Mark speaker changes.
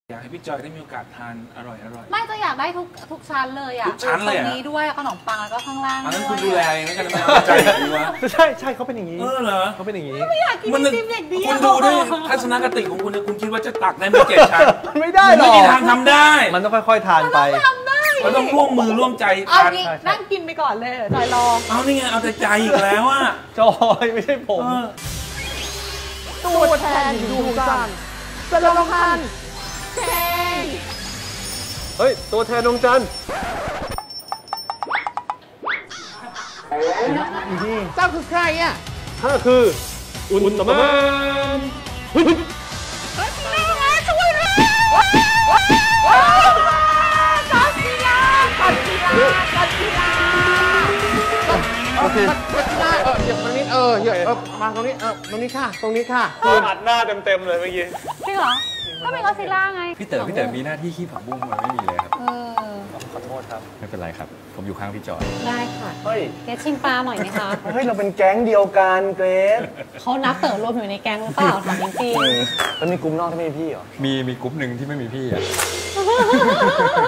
Speaker 1: อยากให้พี่จอยได้มีโอกาสทานอร่อย
Speaker 2: ไม่จะอยากได้ทุกชั้นเลยอ่ะ
Speaker 1: ทุกชั้นเลยอ่ะ
Speaker 2: นี้ด้วยขนมปังแล้วก็ข้างล่าง
Speaker 1: นั้นคุณดูแลไม่กันไม่เอาใจอย่างนี้วะ
Speaker 3: ใช่เขาเป็นอย่างนี้
Speaker 1: เหรอ
Speaker 3: เขาเป็นอย่างนี้
Speaker 2: ไม่อยากกินจิ้มเด็กดี
Speaker 1: คุณดูด้วยทัศนคติของคุณคุณคิดว่าจะตักได้ไม่7 ชั้น
Speaker 3: ไม่ได้หรอก
Speaker 1: ไม่มีทางทำได้
Speaker 3: มันต้องค่อยๆทานไป
Speaker 1: มันต้องร่วมมือร่วมใจ
Speaker 2: ทาน
Speaker 1: นั่
Speaker 2: งกินไปก่อนเลยจอยรอ
Speaker 1: เอานี่ไงเอาแต่ใจอีกแล้วอ่ะ
Speaker 3: จอยไม่ใช่ผม
Speaker 2: ตัวแทนดวงจันทร์สโลงพันเก่ง
Speaker 3: เฮ้ยตัวแทนดวงจันทร์
Speaker 2: เจ้าคือใครอ่ะ
Speaker 3: ข้าคืออุลตร้าแมน
Speaker 2: ช่วยเลยกัสซิล่า
Speaker 3: โอเค
Speaker 4: กัสซิล่าเหยียบตรงนี้เหยียบมาตรงนี้ตรงนี้ค่ะ
Speaker 3: คืออัดหน้าเต็มเลยเมื่อกี้
Speaker 2: จริงเหรอก็เป็นกัสซิล่าไง
Speaker 5: พี่เต๋อมีหน้าที่ขี้ผักบุ้งมันไม่มีเลยครับ
Speaker 3: ขอโทษครับ
Speaker 5: ไม่เป็นไรครับผมอยู่ข้างพี่จอย
Speaker 2: ได้ค่ะ
Speaker 3: เฮ้ย
Speaker 2: เกรซชิมปลาหน่อยไหมคะ
Speaker 3: เฮ้ยเราเป็นแก๊งเดียวกันเกรซ
Speaker 2: เขานับเต๋อรวมอยู่ในแก๊งหรือเปล่าถามจริง
Speaker 3: ๆมันมีกลุ่มนอกที่ไม่มีพี่เหรอ
Speaker 5: มีกลุ่มหนึ่งที่ไม่มีพี่อ่ะ